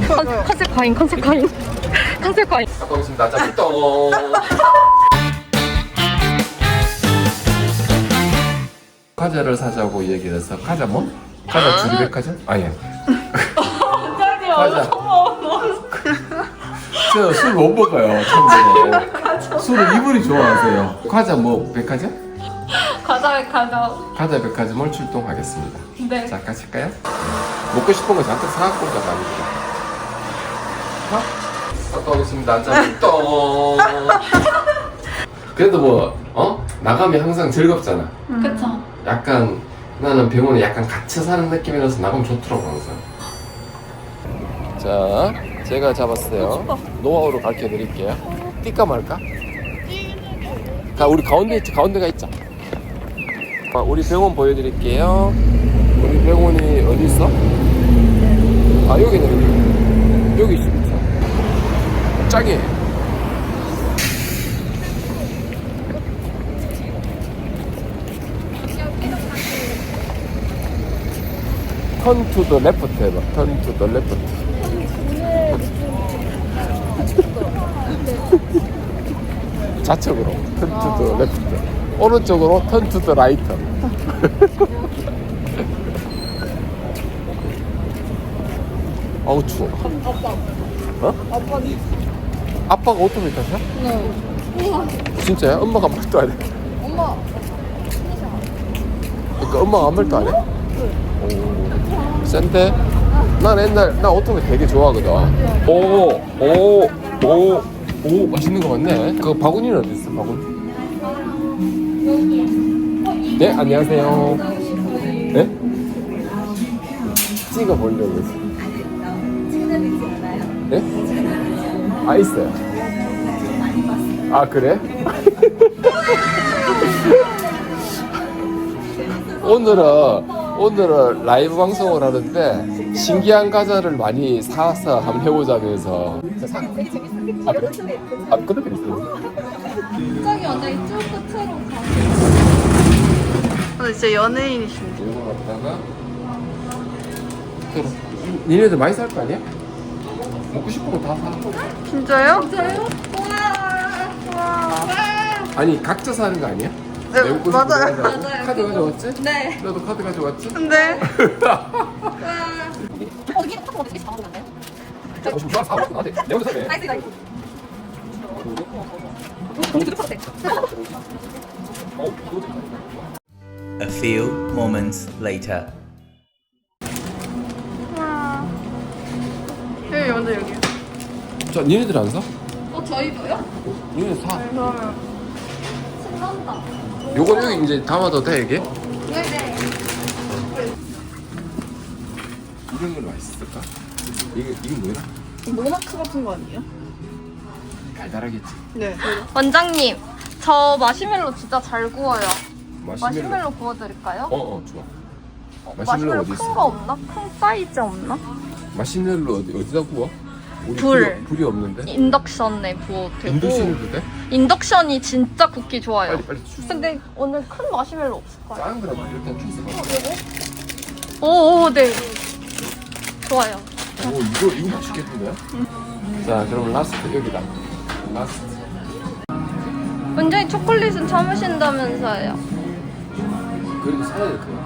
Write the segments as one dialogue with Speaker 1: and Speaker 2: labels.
Speaker 1: 컨셉 과잉. 컨셉 과잉.
Speaker 2: 갖고 오겠습니다. 자, 또 과자를 사자고 얘기를 해서 과자 뭐? 과자 주리백화점? 아 예. 과자. 저 술 못 먹어요. 참고로. 술을 이분이 좋아하세요. 과자 뭐 백화점? 과자 백화점을 출동하겠습니다.
Speaker 1: 네.
Speaker 2: 자, 가실까요? 먹고 싶은 거 잔뜩 사갖고 가자. 갖고 오겠습니다. 자, 또 그래도 뭐 나가면 항상 즐겁잖아.
Speaker 1: 그쵸.
Speaker 2: 약간 나는 병원에 약간 갇혀 사는 느낌이라서 나가면 좋더라고 항상. 자, 제가 잡았어요. 노하우로 가르쳐 드릴게요. 뛸까 말까? 우리 가운데가 있자. 우리 병원 보여드릴게요. 우리 병원이 어디 있어? 아, 여기네. 여기 있어. 짱이에요. Turn to the left 해봐. Turn to the left. 좌측으로. Turn to the left. 오른쪽으로 Turn to the right. 아우 추워. 아빠가 오토바이 타셔?
Speaker 1: 네.
Speaker 2: 진짜야? 엄마가 아무 말도 안 해?
Speaker 1: 엄마.
Speaker 2: 그러니까 엄마가 아무 말도 안 해? 오, 센데? 나 오토바이 되게 좋아하거든. 오, 맛있는 거 같네. 그 바구니는 어디 있어, 바구니? 네, 안녕하세요. 네? 찍어보려고 했어. 네? 아, 있어요. 아, 그래? 오늘은 라이브 방송을 하는데 신기한 과자를 많이 사서 한번 해보자면서. 아, 그래? 아, 끝에 있어요.
Speaker 1: 저기 완전 이쪽 끝으로 가.
Speaker 3: 근데 진짜 연예인이신데.
Speaker 2: 이거 갖다가 니네들 많이 살 거 아니야? 먹고 싶은 거 다 사.
Speaker 3: 진짜요?
Speaker 1: 진짜요? 와.
Speaker 2: 아니 각자 사는 거 아니야?
Speaker 3: 네,
Speaker 2: 내가 먹고 싶은 거
Speaker 3: 맞아요.
Speaker 2: 가져가고.
Speaker 1: 맞아요.
Speaker 2: 카드 가져왔지?
Speaker 1: 네.
Speaker 2: 너도 카드 가져왔지?
Speaker 3: 근데
Speaker 1: 여기 카드 어떻게 잡아도 안 돼요?
Speaker 2: 지금 좋아 사고 나한테 내 혼자 사네.
Speaker 1: 나이스.
Speaker 4: A few moments later.
Speaker 3: 여기 먼저 여기.
Speaker 2: 자, 니네들 안 사?
Speaker 1: 저희도요?
Speaker 2: 니네 사.
Speaker 3: 그러면
Speaker 1: 신난다.
Speaker 2: 요거 여기 이제 담아도 돼 이게?
Speaker 1: 네네.
Speaker 2: 이런 건 맛있을까? 이게 뭐야?
Speaker 3: 모나크 같은 거 아니에요?
Speaker 2: 달달하겠지.
Speaker 3: 네.
Speaker 1: 원장님, 저 마시멜로 진짜 잘 구워요.
Speaker 2: 마시멜로.
Speaker 1: 마시멜로 구워드릴까요?
Speaker 2: 좋아.
Speaker 1: 마시멜로
Speaker 2: 어디
Speaker 1: 큰
Speaker 2: 있어?
Speaker 1: 거 없나? 큰 사이즈 없나?
Speaker 2: 마시멜로 어디다 구워? 우리
Speaker 1: 불.
Speaker 2: 불이 없는데?
Speaker 1: 인덕션에 구워도 되고.
Speaker 2: 인도시는 돼?
Speaker 1: 인덕션이 진짜 굽기 좋아요.
Speaker 2: 빨리 주세요.
Speaker 1: 근데 오늘 큰 마시멜로 없을까요?
Speaker 2: 작은 거라면 일단 주세요.
Speaker 1: 오, 네. 좋아요.
Speaker 2: 오, 이거 맛있겠는데? 자, 그럼 라스트 여기다. 라스트.
Speaker 1: 원장님 초콜릿은 참으신다면서요.
Speaker 2: 그래도 사야 될 거야.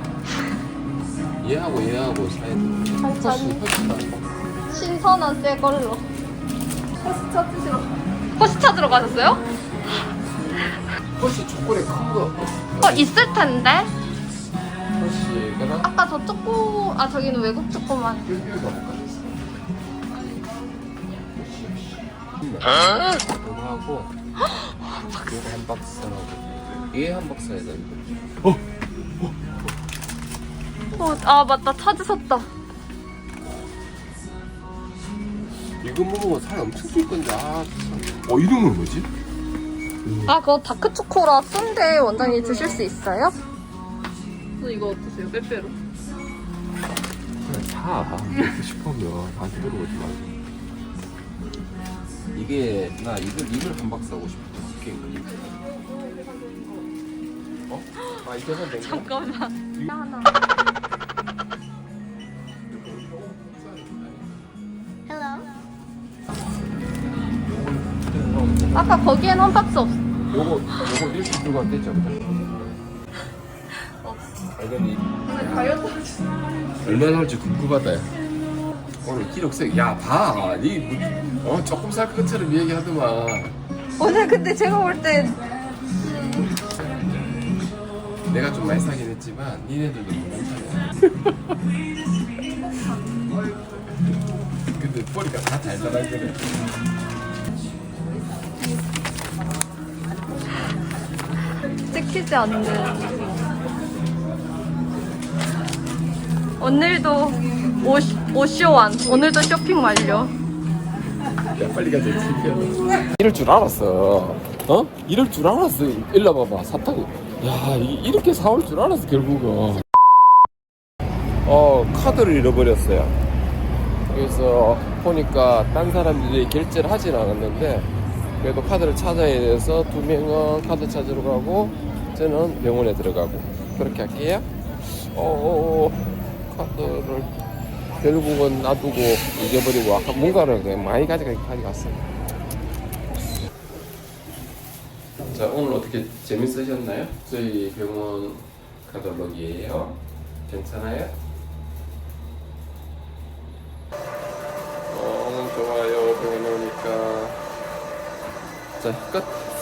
Speaker 2: 얘하고 사야 돼.
Speaker 1: 천천히.
Speaker 2: 훨씬
Speaker 1: 신선한 새 걸로. 호시 찾으러 가셨어요?
Speaker 2: 훨씬 초콜릿 큰 거.
Speaker 1: 있을 텐데.
Speaker 2: 훨씬
Speaker 1: 아까 저 초코, 저기는 외국 초코만.
Speaker 2: 여기 가볼까? 이거 하고 이거 한 박스 하고 얘 한 박스 해야 되는데.
Speaker 1: 맞다. 찾으셨다.
Speaker 2: 이거 먹으면 살 엄청 찔 건데 이름은 뭐지?
Speaker 1: 그거 다크 초코라 쓴데 원장님 드실 수 있어요?
Speaker 3: 이거 어떠세요? 빼빼로.
Speaker 2: 그래 사 먹고 싶으면 나한테 물어보지 말고. 이게 나 이걸 한 박스 하고 싶어. 이게 이거는 된 거야?
Speaker 1: 잠깐만. 하나. Hello. 아까 거기엔 한 박스 없어.
Speaker 2: 요거 이렇게 들고 왔겠죠? 당연히 얼마나 나올지 궁금하다. 오늘 기록색 야봐니 조금 살 것처럼 얘기하더만.
Speaker 1: 오늘 근데 제가 볼 때
Speaker 2: 내가 좀 많이 사긴 했지만 니네들도 괜찮아. 근데 보니까 다 달달한 거네.
Speaker 1: 찍히지 않는. 오늘도 오쇼완. 오늘도 쇼핑 완료.
Speaker 2: 야 빨리 가자. 이럴 줄 알았어. 이럴 줄 알았어. 일로 와봐봐. 사탕이. 야 이렇게 사올 줄 알았어 결국은. 카드를 잃어버렸어요. 그래서 보니까 딴 사람들이 결제를 하진 않았는데 그래도 카드를 찾아야 돼서 2명은 카드 찾으러 가고 저는 병원에 들어가고 그렇게 할게요. 카드를 결국은 놔두고 잊어버리고 아까 뭔가를 그냥 많이 가져갔어요. 자, 오늘 어떻게 재밌으셨나요? 저희 병원 카탈로그예요. 괜찮아요? 좋아요. 병원에 오니까. 자, 끝.